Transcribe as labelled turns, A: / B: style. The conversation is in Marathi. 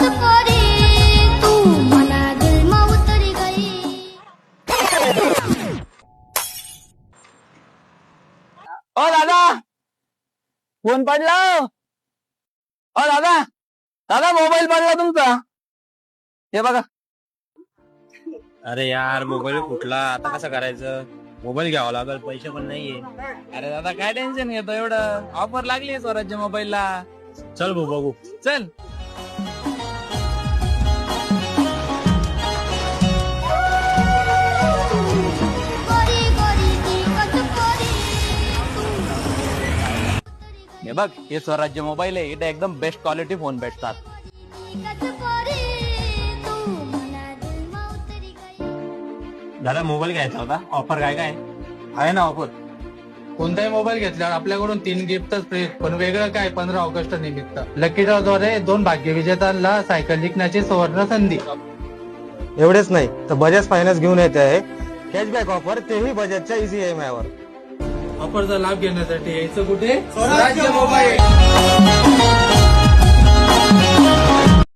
A: करी तू मला दिल में उतरी गई।
B: ओ दादा फोन पडला। ओ दादा दादा मोबाईल पडला तुमचा, हे बघा।
C: अरे यार मोबाईल फुटला, आता कसं करायचं? मोबाईल घ्यावा लागल, पैसे पण नाहीये।
B: अरे दादा काय टेन्शन घेतो एवढं, ऑफर लागली स्वराज्य मोबाईलला।
C: चल भाऊ बघू।
B: चल
A: गोरी गोरी ती कचकोरी
B: हे बघ, हे स्वराज्य मोबाईल आहे, इथे एकदम बेस्ट क्वालिटी फोन भेटतात।
A: कचकोरी तू मला दिल में उतरी गई।
C: दादा मोबाईल घ्यायचा होता, ऑफर काय काय
B: आहे ना ऑफर।
D: कोणताही मोबाईल घेतल्यावर आपल्याकडून 3 गिफ्टच फ्री, पण वेगळं काय 15 ऑगस्ट निमित्त लकी ड्रॉ द्वारे 2 भाग्यविजेत्यांना सायकल जिंकण्याची सुवर्ण संधी।
E: एवढेच नाही तर बजाज फायनान्स घेऊन येते आहे कॅशबॅक ऑफर, तेही बजाजच्या इझी EMI वर।
D: ऑफरचा लाभ घेण्यासाठी यायचं कुठे? स्वराज्य मोबाईल।